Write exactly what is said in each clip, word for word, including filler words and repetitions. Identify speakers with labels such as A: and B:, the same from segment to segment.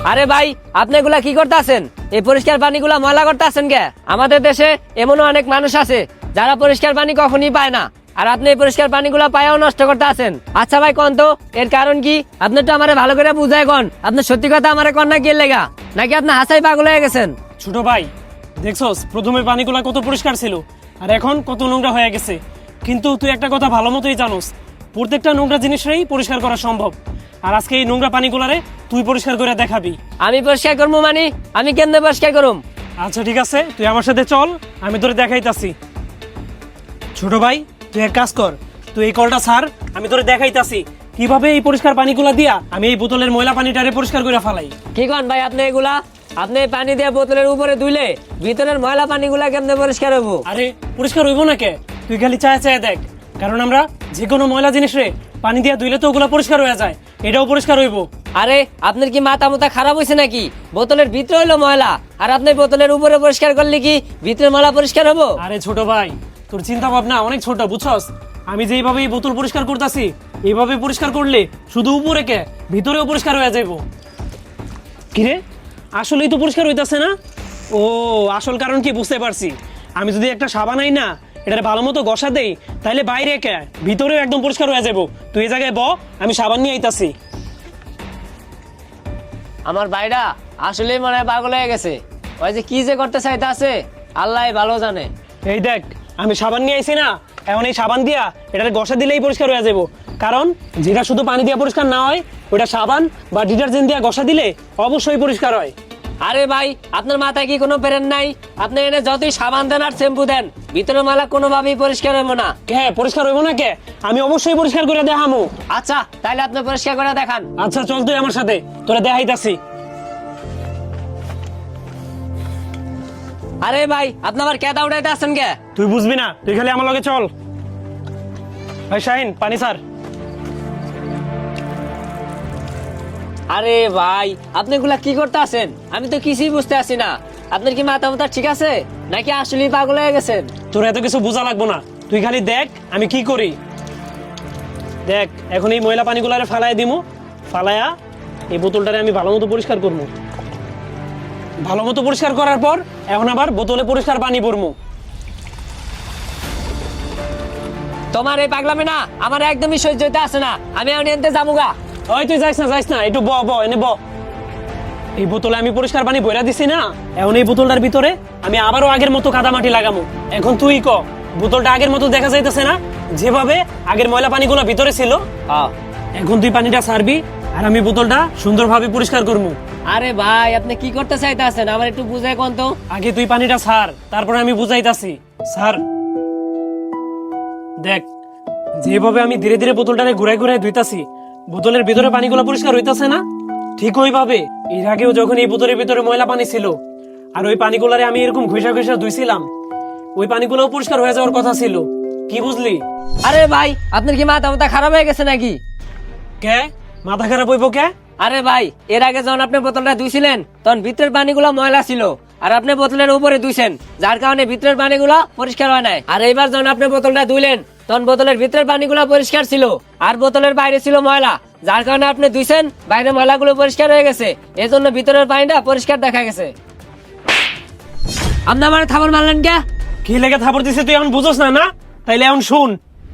A: আরে ভাই, আপনি এগুলা কি করতেছেন? এই পরিষ্কার পানিগুলা ময়লা করতেছেন কে? আমাদের দেশে এমনও অনেক মানুষ আছে যারা পরিষ্কার পানি কখনই পায় না, আর আপনি এই পরিষ্কার পানিগুলা পায়াও নষ্ট করতে আছেন। আচ্ছা ভাই, কোন তো এর কারণ কি? আপনি তো আমারে ভালো করে বুঝায় কোন, আপনি সত্যি কথা আমারে কোন না কি লেগা, নাকি আপনি হাসাই পাগল হয়ে গেছেন?
B: ছোট ভাই, দেখছস প্রথমে পানিগুলা কত পরিষ্কার ছিল আর এখন কত নোংরা হয়ে গেছে। কিন্তু তুই একটা কথা ভালো মতোই জানোস, প্রত্যেকটা নোংরা জিনিসেরই পরিষ্কার করা সম্ভব। আর আজকে এই নোংরা পানিগুলারে তুই পরিষ্কার করে দেখাবি।
A: আমি পরিষ্কার করবো মানে? আমি কেমনে পরিষ্কার করুম?
B: আচ্ছা ঠিক আছে, তুই আমার সাথে চল, আমি তোরে দেখাইতাছি। ছোট ভাই, তুই এক কাজ কর, তুই এই কলটা ছাড়, আমি তোরে দেখাইতাছি কিভাবে এই পরিষ্কার পানিগুলা দিয়া আমি এই বোতলের ময়লা পানিটারে পরিষ্কার করে ফেলাই।
A: কি কন ভাই আপনি এগুলা? আপনি এই পানি দিয়ে বোতলের উপরে ধুইলে ভিতরের ময়লা পানিগুলা কেমনে পরিষ্কার হবো?
B: আরে পরিষ্কার হইব না কে? তুই খালি চায় চায় দেখ, কারণ আমরা যে কোনো ময়লা জিনিস রে পানি দিয়ে ধুইলে তো ওগুলা পরিষ্কার হয়ে যায়, এটাও পরিষ্কার হইব।
A: আরে আপনার কি মাথা মুথা খারাপ হয়েছে নাকি? বোতলের ভিতরে হইলো ময়লা, আর আপনি বোতলের উপরে পরিষ্কার করলে কি ভিতরের ময়লা পরিষ্কার হবো?
B: আরে ছোট ভাই, তোর চিন্তা ভাবনা অনেক ছোট, বুঝছস? আমি যেইভাবে এই বোতল পরিষ্কার করতেছি এইভাবে পরিষ্কার করলে শুধু উপরে কে ভিতরেও পরিষ্কার হয়ে যাইব। কিরে, আসলেই তো পরিষ্কার হইতাছে না? ও, আসল কারণ কি বুঝতে পারছি। আমি যদি একটা সাবান আই না, এটারে ভালো মতো ঘষা দেই, তাহলে বাইরে কে ভিতরেও একদম পরিষ্কার হয়ে যাবো। তুই এই জায়গায় ব, আমি সাবান নিয়ে আইতাছি।
A: আমার ভাইটা আসলেই মনে হয় পাগল হয়ে গেছে। ওই যে কি যে করতে চাইতে আছে আল্লাহ ভালো জানে।
B: এই দেখ, আমি সাবান নিয়ে আইছি না, এখন এই সাবান দিয়া এটারে ঘষা দিলেই পরিষ্কার হয়ে যাবো। কারণ যেটা শুধু পানি দিয়ে পরিষ্কার না হয়, ওটা সাবান বা ডিটারজেন্ট দিয়ে ঘষা দিলে অবশ্যই পরিষ্কার হয়।
A: আরে ভাই, আপনার মাথায় কি কোনো পেরেন নাই? আপনি এনে যতই সাবান দেন আর শ্যাম্পু দেন, ভিতরের ময়লা কোনোভাবেই পরিষ্কার হইব না।
B: কে পরিষ্কার হইব না কে? আমি অবশ্যই পরিষ্কার করে দেখামু।
A: আচ্ছা তাইলে আপনি পরিষ্কার করে দেখান।
B: আচ্ছা চল তুই আমার সাথে, তোরা দেখাইতাছি।
A: আরে ভাই, আপনি আবার কেদা উঠাইতে আসছেন কে?
B: তুই বুঝবি না, তুই খালি আমার লগে চল। ভাই শাহিন, পানি স্যার।
A: আরে ভাই, আপনি এগুলা কি করতে আছেন? আমি তো কিছুই বুঝতে আছি না। আপনার কি মাথা মাথা ঠিক আছে নাকি আসলেই পাগল হয়ে গেছেন?
B: তোর এত কিছু বোঝা লাগবো না, তুই খালি দেখ আমি কি করি। দেখ, এখন এই ময়লা পানিগুলারে ফালাই দিমু, ফালায়া এই বোতলটারে আমি ভালো মতো পরিষ্কার করবো। ভালো মতো পরিষ্কার করার পর এখন আবার বোতলে পরিষ্কার পানি ভরমু।
A: তোমার এই পাগলামে না আমার একদমই সহ্য হইতে আসে না। আমি এখন এনতে যামুগা।
B: ওই তুই যাইস না, যাইস না, একটু ব ব এনে ব। এই বোতলে আমি পরিষ্কার পানি ভরা দিছি না, এখন এই বোতলটার ভিতরে আমি আবারও আগের মতো কাদা মাটি লাগামু। এখন তুই ক, বোতলটা আগের মতো দেখা যাইতেছে না? যেভাবে আগের ময়লা পানিগুলো ভিতরে ছিল, এখন তুই পানিটা ছাড়বি আর আমি বোতলটা সুন্দরভাবে পরিষ্কার করবো।
A: আরে ভাই, আপনি কি করতে চাইতে আছেন আমার একটু বুঝাই কোন তো।
B: আগে তুই পানিটা ছাড়, তারপরে আমি বুঝাইতাছি। স্যার দেখ, যেভাবে আমি ধীরে ধীরে বোতলটারে ঘুরাই ঘুরাই ধুইতাছি, বোতলের ভিতরে পানিগুলো পরিষ্কার হইতাছে না? ঠিক ওইভাবে এর আগেও যখন এই বোতলের ভিতরে ময়লা পানি ছিল আর ওই পানিগুলারে আমি এরকম ঘষা ঘষা ধুইছিলাম, ওই পানিগুলোও পরিষ্কার হয়ে যাওয়ার কথা ছিল। কি বুঝলি?
A: আরে ভাই, আপনার কি মাথা মাথা খারাপ হয়ে গেছে নাকি?
B: কে মাথা খারাপ হইব কে?
A: আরে ভাই, এর আগে যখন আপনি বোতলটা ধুইছিলেন তখন ভিতরের পানিগুলো ময়লা ছিল, আর আপনি বোতলের উপরে ধুইছেন, যার কারণে ভিতরের পানিগুলো পরিষ্কার হয় নাই। আর এইবার যখন আপনি বোতলটা ধুইলেন তখন বোতলের ভিতরের পানিগুলো পরিষ্কার ছিল, আর বোতলের বাইরে ছিল ময়লা, যার কারণে আপনি ধুইছেন, বাইরের ময়লাগুলো পরিষ্কার হয়ে গেছে, এই জন্য ভিতরের পানিটা পরিষ্কার দেখা গেছে। আপনি আমার থাপড় মারলেন কে?
B: কি লেগে থাপড় দিছে তুই এখন বুঝোস না? না তাইলে এখন শুন।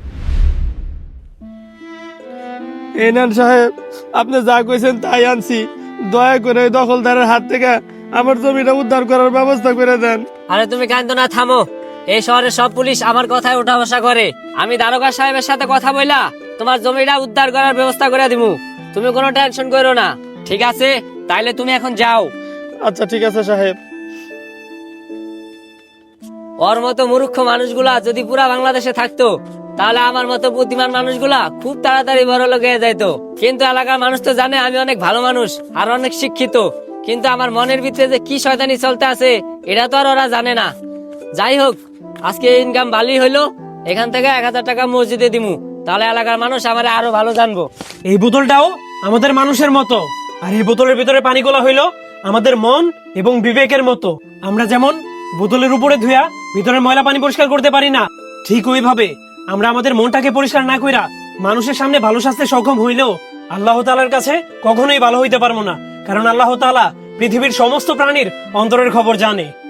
C: এনান সাহেব, আপনি যা কইছেন তাই আনছি, দয়া করে ওই দখলদারের হাত থেকে আমার জমিটা উদ্ধার করার ব্যবস্থা করে দেন।
A: আরে তুমি কান্দো না, থামো। এই শহরের সব পুলিশ আমার কথায় উঠা বসা করে। আমি দারোগা সাহেবের সাথে কথা বইলা তোমার জমিটা উদ্ধার করার ব্যবস্থা করে দিমু, তুমি কোনো টেনশন করো না। ঠিক আছে, তাইলে তুমি এখন যাও।
C: আচ্ছা ঠিক আছে সাহেব।
A: ওর মতো মূর্খ মানুষগুলা যদি পুরা বাংলাদেশে থাকতো তাহলে আমার মতো বুদ্ধিমান মানুষগুলা খুব তাড়াতাড়ি বড় লোক হয়ে যাইতো। কিন্তু এলাকার মানুষ তো জানে আমি অনেক ভালো মানুষ আর অনেক শিক্ষিত, কিন্তু আমার মনের ভিতরে যে কি শয়তানি চলতে আছে এটা তো আর ওরা জানে না। যাই হোক, আজকে ইনকাম ভালোই হইলো, এখান থেকে এক হাজার টাকা মসজিদে দিমু, তাহলে এলাকার মানুষ আমার আরো ভালো জানবো।
B: এই বোতলটাও আমাদের মানুষের মতো, আর এই বোতলের ভিতরে পানিগুলো হইলো আমাদের মন এবং বিবেকের মতো। আমরা যেমন বোতলের উপরে ধুয়া ভিতরের ময়লা পানি পরিষ্কার করতে পারি না, ঠিক ওইভাবে আমরা আমাদের মনটাকে পরিষ্কার না কইরা মানুষের সামনে ভালো সাজতে সক্ষম হইলেও আল্লাহ তাআলার কাছে কখনোই ভালো হইতে পারবো না। কারণ আল্লাহ তাআলা পৃথিবীর সমস্ত প্রাণীর অন্তরের খবর জানে।